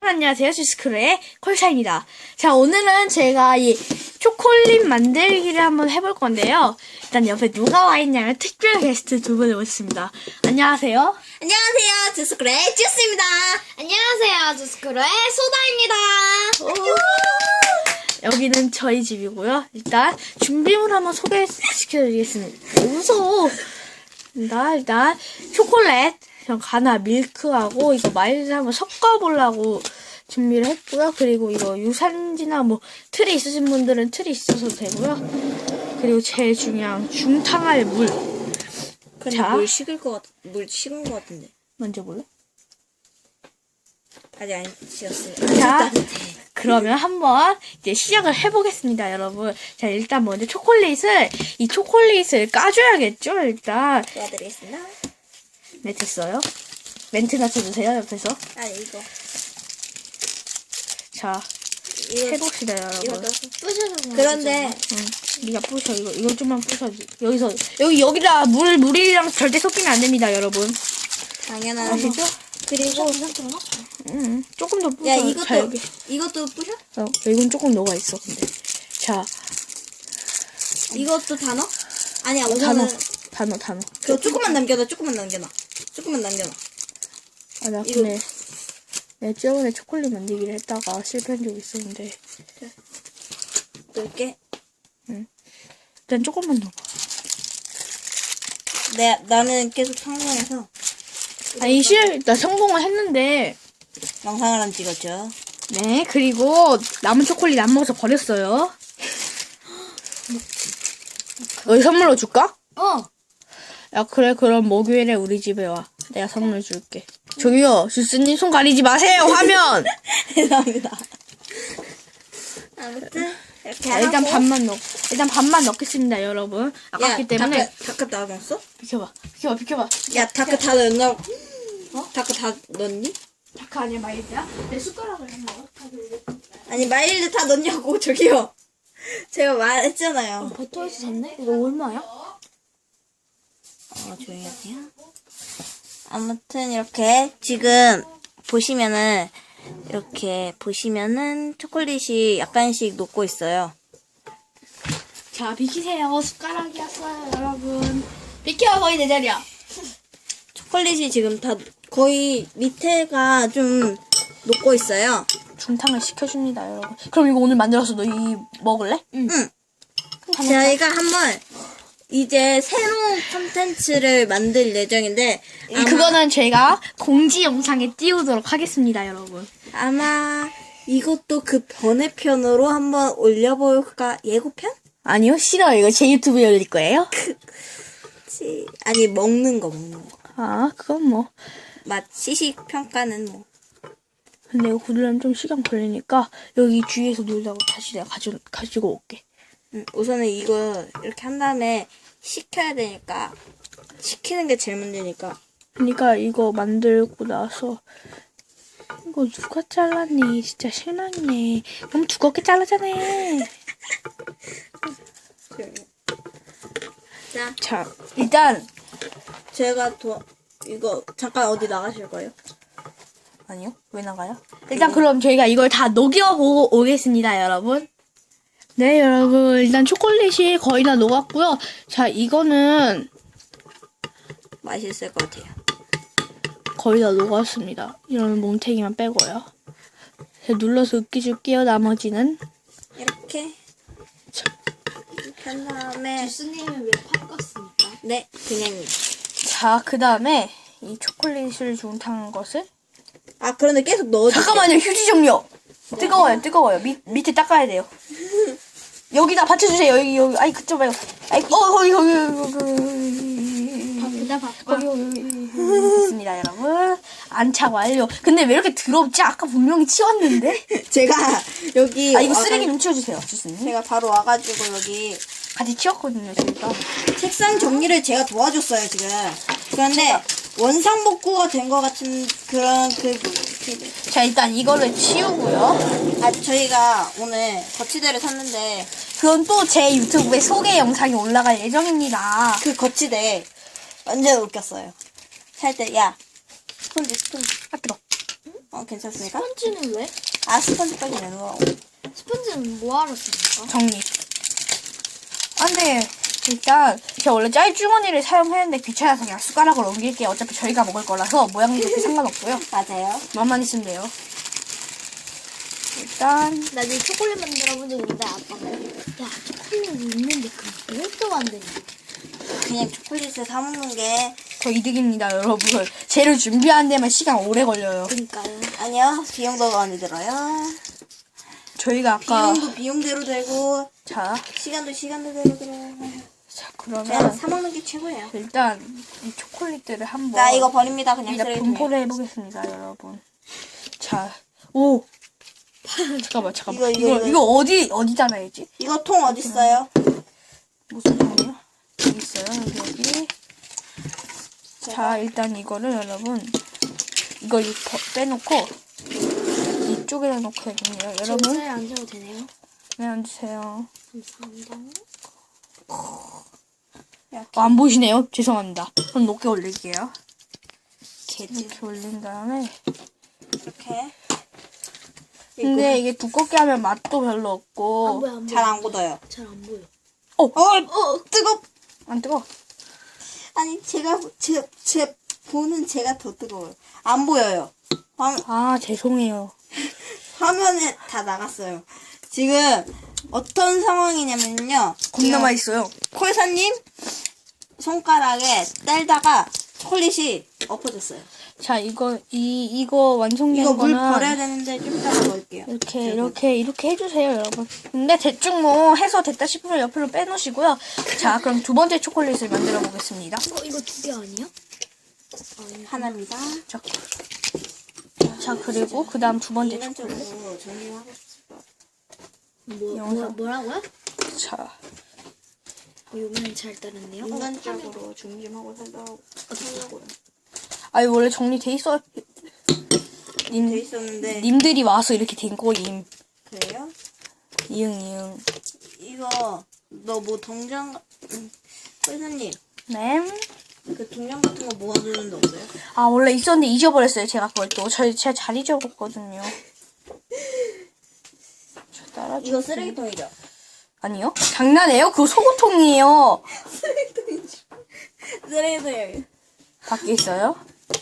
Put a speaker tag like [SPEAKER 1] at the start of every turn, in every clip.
[SPEAKER 1] 안녕하세요. 주스크루의 콜샤입니다. 자, 오늘은 제가 이 초콜릿 만들기를 한번 해볼 건데요. 일단 옆에 누가 와 있냐면 특별 게스트 두 분을 모셨습니다. 안녕하세요.
[SPEAKER 2] 안녕하세요. 주스크루의 주스입니다.
[SPEAKER 3] 안녕하세요. 주스크루의 소다입니다.
[SPEAKER 1] 여기는 저희 집이고요. 일단 준비물 한번 소개시켜드리겠습니다. 무서워. 일단 초콜릿, 가나 밀크하고 이거 마일드 한번 섞어보려고 준비를 했고요. 그리고 이거 유산지나 뭐 틀이 있으신 분들은 틀이 있어도 되고요. 그리고 제일 중요한 중탕할 물.
[SPEAKER 2] 근데
[SPEAKER 1] 자,
[SPEAKER 2] 물 식은 것 같은데.
[SPEAKER 1] 먼저 볼래?
[SPEAKER 2] 아직 안 식었어요.
[SPEAKER 1] 자, 그러면 한번 이제 시작을 해보겠습니다, 여러분. 자, 일단 먼저 이 초콜릿을 까줘야겠죠, 일단.
[SPEAKER 2] 도와드리겠습니다.
[SPEAKER 1] 네, 됐어요. 멘트 낮춰주세요, 옆에서.
[SPEAKER 2] 아니, 이거.
[SPEAKER 1] 자,
[SPEAKER 2] 이거
[SPEAKER 1] 해봅시다,
[SPEAKER 2] 이거
[SPEAKER 1] 여러분.
[SPEAKER 2] 넣어서.
[SPEAKER 3] 부셔서
[SPEAKER 2] 그런데,
[SPEAKER 1] 네가 부셔, 이거 좀만 부셔지. 여기다 물이랑 절대 섞이면 안 됩니다, 여러분.
[SPEAKER 2] 당연한.
[SPEAKER 1] 아시죠?
[SPEAKER 2] 그리고,
[SPEAKER 1] 조금 더 부셔.
[SPEAKER 2] 야,
[SPEAKER 1] 자,
[SPEAKER 2] 이것도 부셔?
[SPEAKER 1] 이건 조금 녹아있어, 근데. 자,
[SPEAKER 2] 이것도 다 넣어? 아니야,
[SPEAKER 1] 다 넣어.
[SPEAKER 2] 우선은.
[SPEAKER 1] 다 넣어.
[SPEAKER 2] 그거 조금만 남겨놔.
[SPEAKER 1] 아, 나 근데 내가 저번에 초콜릿 만들기를 했다가 실패한 적이 있었는데
[SPEAKER 2] 넣을게.
[SPEAKER 1] 일단 조금만 넣어봐.
[SPEAKER 2] 나는 계속 성공해서
[SPEAKER 1] 아니 나 성공을 했는데
[SPEAKER 2] 영상을 안 찍었죠.
[SPEAKER 1] 네, 그리고 남은 초콜릿 안 먹어서 버렸어요. 너희 선물로 줄까? 야, 그래, 그럼 목요일에 우리 집에 와. 내가 선물 줄게. 저기요, 주스님 손 가리지 마세요, 화면!
[SPEAKER 2] 죄송합니다. 아무튼, 이렇게
[SPEAKER 1] 자, 일단
[SPEAKER 2] 하고.
[SPEAKER 1] 일단 반만 넣겠습니다, 여러분. 아깝기 때문에.
[SPEAKER 2] 다크 다 넣었어?
[SPEAKER 1] 비켜봐.
[SPEAKER 2] 야, 다크 다 넣었나? 다크 다 넣었니?
[SPEAKER 1] 다크 아니야, 마일드야? 내 숟가락을 한번
[SPEAKER 2] 아니, 마일드 다 넣냐고, 저기요. 제가 말했잖아요.
[SPEAKER 3] 버터에서 샀네? 이거 얼마야?
[SPEAKER 2] 조용히 하세요. 아무튼, 이렇게, 지금, 보시면은, 초콜릿이 약간씩 녹고 있어요.
[SPEAKER 1] 자, 비키세요. 숟가락이었어요, 여러분. 비켜, 거의 내 자리야.
[SPEAKER 2] 초콜릿이 지금 다, 거의 밑에가 좀 녹고 있어요.
[SPEAKER 1] 중탕을 시켜줍니다, 여러분. 그럼 이거 오늘 만들어서 너희 먹을래?
[SPEAKER 2] 응. 저희가 한번, 이제 새로운 콘텐츠를 만들 예정인데,
[SPEAKER 1] 그거는 제가 공지 영상에 띄우도록 하겠습니다, 여러분.
[SPEAKER 2] 아마 이것도 그 번외편으로 한번 올려볼까? 예고편?
[SPEAKER 1] 아니요, 싫어요. 이거 제 유튜브에 올릴 거예요.
[SPEAKER 2] 아니, 먹는 거.
[SPEAKER 1] 아, 그건 뭐.
[SPEAKER 2] 맛, 시식 평가는 뭐.
[SPEAKER 1] 근데 이거 구두려면 좀 시간 걸리니까 여기 주위에서 놀다가 다시 내가 가지고 올게.
[SPEAKER 2] 우선은 이거 이렇게 한 다음에 식혀야 되니까. 식히는 게 제일 문제니까.
[SPEAKER 1] 그러니까 이거 만들고 나서 이거 누가 잘랐니? 진짜 실망이네. 너무 두껍게 잘라잖아. 자, 일단
[SPEAKER 2] 제가 이거 잠깐 어디 나가실 거예요?
[SPEAKER 1] 아니요? 왜 나가요? 일단 그럼 저희가 이걸 다 녹여보고 오겠습니다, 여러분. 네, 여러분. 일단 초콜릿이 거의 다 녹았고요. 자, 이거는
[SPEAKER 2] 맛있을 것 같아요.
[SPEAKER 1] 거의 다 녹았습니다. 이런 뭉탱이만 빼고요. 제가 눌러서 으깨줄게요, 나머지는.
[SPEAKER 2] 이렇게 한 다음에
[SPEAKER 3] 주스님은 왜 팝갔습니까?
[SPEAKER 2] 네, 그냥
[SPEAKER 1] 자, 그 다음에 이 초콜릿을 중탕한 것을
[SPEAKER 2] 그런데 계속 넣어주세요.
[SPEAKER 1] 잠깐만요, 휴지 좀요. 뜨거워요. 밑에 닦아야 돼요. 여기다 받쳐주세요. 여기. 아이, 그쪽 말고. 아이, 거기. 거기. 됐습니다, 여러분. 안착 완료. 근데 왜 이렇게 더럽지? 아까 분명히 치웠는데?
[SPEAKER 2] 제가 여기
[SPEAKER 1] 이거 쓰레기 좀 치워주세요, 주스님.
[SPEAKER 2] 제가 바로 와가지고 여기
[SPEAKER 1] 같이 치웠거든요, 저희가.
[SPEAKER 2] 책상 정리를 제가 도와줬어요 지금. 그런데 원상복구가 된 것 같은 그런
[SPEAKER 1] 자, 일단 이거를 치우고요.
[SPEAKER 2] 저희가 오늘 거치대를 샀는데
[SPEAKER 1] 그건 또 제 유튜브에 소개 영상이 올라갈 예정입니다.
[SPEAKER 2] 그 거치대 완전 웃겼어요. 살 때 스펀지.
[SPEAKER 1] 아, 뜨거.
[SPEAKER 2] 괜찮습니까?
[SPEAKER 3] 스펀지는 왜?
[SPEAKER 2] 아, 스펀지까지 내는 거.
[SPEAKER 3] 스펀지는 뭐하러 씁니까?
[SPEAKER 1] 정리. 아, 근데 일단 제가 원래 짤주머니를 사용했는데 귀찮아서 그냥 숟가락으로 옮길게요. 어차피 저희가 먹을 거라서 모양도 그렇게 상관없고요.
[SPEAKER 2] 맞아요.
[SPEAKER 1] 맛만 있으면 돼요. 일단
[SPEAKER 3] 나중에 초콜릿 만들어본 적 있는데 아빠가 야 초콜릿 있는데 그걸 또 만드냐?
[SPEAKER 2] 그냥 초콜릿을 사먹는 게.
[SPEAKER 1] 더 이득입니다, 여러분. 재료 준비하는 데만 시간 오래 걸려요.
[SPEAKER 3] 그러니까요.
[SPEAKER 2] 아니요, 비용도 많이 들어요.
[SPEAKER 1] 저희가 아까
[SPEAKER 2] 비용도 비용대로 들고,
[SPEAKER 1] 자
[SPEAKER 2] 시간도 시간대로 들어요. 그냥
[SPEAKER 1] 그러면
[SPEAKER 2] 사먹는 게 최고예요.
[SPEAKER 1] 일단 이 초콜릿들을 한번
[SPEAKER 2] 자, 이거 버립니다. 그냥
[SPEAKER 1] 일단
[SPEAKER 2] 쓰레기통에.
[SPEAKER 1] 분포를 해보겠습니다, 여러분. 자, 오 잠깐만.
[SPEAKER 2] 이거.
[SPEAKER 1] 어디다 놔야지?
[SPEAKER 2] 이거 통 어딨어요?
[SPEAKER 1] 무슨 통이요? 여기 있어요, 여기. 자, 일단 이거를 여러분 이거 빼놓고 이쪽에다 놓고야겠네요, 여러분.
[SPEAKER 3] 잘 앉아도 되네요.
[SPEAKER 1] 네, 앉으세요.
[SPEAKER 3] 감사합니다.
[SPEAKER 1] 안 보이시네요? 죄송합니다. 그럼 높게 올릴게요.
[SPEAKER 2] 개지.
[SPEAKER 1] 이렇게 올린 다음에.
[SPEAKER 2] 이렇게.
[SPEAKER 1] 근데 이게 두껍게 하면 맛도 별로 없고.
[SPEAKER 3] 안 보여 안 보여.
[SPEAKER 2] 잘 안 굳어요.
[SPEAKER 3] 잘 안 보여.
[SPEAKER 2] 뜨겁!
[SPEAKER 1] 안 뜨거?
[SPEAKER 2] 아니, 제 보는 제가 더 뜨거워요. 안 보여요.
[SPEAKER 1] 아, 죄송해요.
[SPEAKER 2] 화면에 다 나갔어요. 지금 어떤 상황이냐면요.
[SPEAKER 1] 겁나
[SPEAKER 2] 지금
[SPEAKER 1] 맛있어요.
[SPEAKER 2] 콜사님 손가락에 떼다가 초콜릿이 엎어졌어요.
[SPEAKER 1] 자, 이거 완성된
[SPEAKER 2] 이거 물
[SPEAKER 1] 거는
[SPEAKER 2] 버려야 되는데 좀 이따가 넣을게요.
[SPEAKER 1] 이렇게 해주세요, 여러분. 근데 대충 뭐 해서 됐다 싶으면 옆으로 빼놓으시고요. 자, 그럼 두 번째 초콜릿을 만들어 보겠습니다.
[SPEAKER 3] 이거 두 개 아니야?
[SPEAKER 2] 하나입니다.
[SPEAKER 1] 자, 그리고 그 다음 두 번째 초콜릿.
[SPEAKER 2] 인간적으로 정리하고 싶어요.
[SPEAKER 3] 뭐라고요?
[SPEAKER 1] 자,
[SPEAKER 3] 요번엔 잘 따랐네요.
[SPEAKER 2] 인간적으로 중심하고 살려고요.
[SPEAKER 1] 아니, 원래 정리돼 있어.
[SPEAKER 2] 돼 있었는데
[SPEAKER 1] 님들이 와서 이렇게 된 거임.
[SPEAKER 2] 그래요?
[SPEAKER 1] 이응.
[SPEAKER 2] 이거 너 뭐 동전 콜사님
[SPEAKER 1] 네.
[SPEAKER 2] 그 동전 같은 거 모아두는 데 없어요?
[SPEAKER 1] 아, 원래 있었는데 잊어버렸어요, 제가 그걸 또. 제가 잘 잊어버렸거든요. 저 따라줄게요.
[SPEAKER 2] 이거 쓰레기통이죠?
[SPEAKER 1] 아니요? 장난해요? 그거 소고통이에요.
[SPEAKER 2] 쓰레기통이에요.
[SPEAKER 1] 밖에 있어요?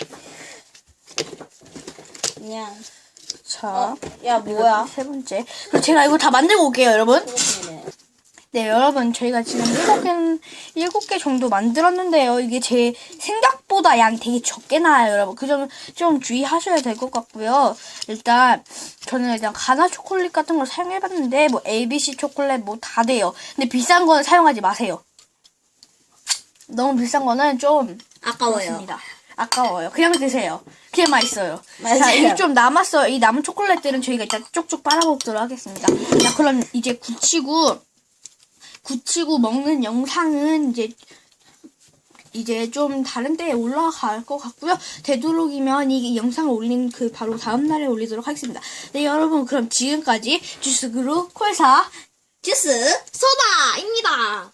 [SPEAKER 2] 그냥
[SPEAKER 1] 자,
[SPEAKER 2] 야 뭐야?
[SPEAKER 1] 세 번째. 그리고 제가 이거 다 만들고 올게요, 여러분.
[SPEAKER 2] 쓰레기통이네.
[SPEAKER 1] 네, 여러분, 저희가 지금 7개 정도 만들었는데요. 이게 제 생각보다 양이 되게 적게 나와요, 여러분. 그 점 좀 주의하셔야 될 것 같고요. 일단, 저는 일단 가나 초콜릿 같은 걸 사용해봤는데, 뭐, ABC 초콜릿 뭐 다 돼요. 근데 비싼 거는 사용하지 마세요. 너무 비싼 거는 좀
[SPEAKER 2] 아까워요.
[SPEAKER 1] 그렇습니다. 아까워요. 그냥 드세요. 그냥 맛있어요.
[SPEAKER 2] 맞아요.
[SPEAKER 1] 자, 이게 좀 남았어요. 이 남은 초콜릿들은 저희가 일단 쪽쪽 빨아먹도록 하겠습니다. 자, 그럼 이제 굳히고 먹는 영상은 이제 좀 다른 때에 올라갈 것 같고요. 되도록이면 이 영상을 올린 그 바로 다음 날에 올리도록 하겠습니다. 네, 여러분, 그럼 지금까지 주스그루 콜사
[SPEAKER 2] 주스
[SPEAKER 3] 소다입니다.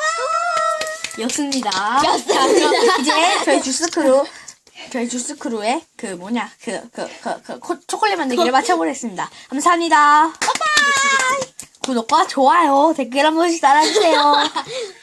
[SPEAKER 1] 였습니다. 이제 저희 주스크루의 초콜릿 만들기를 마쳐보겠습니다. 감사합니다. 빠이빠이. 구독과 좋아요, 댓글 한 번씩 달아주세요.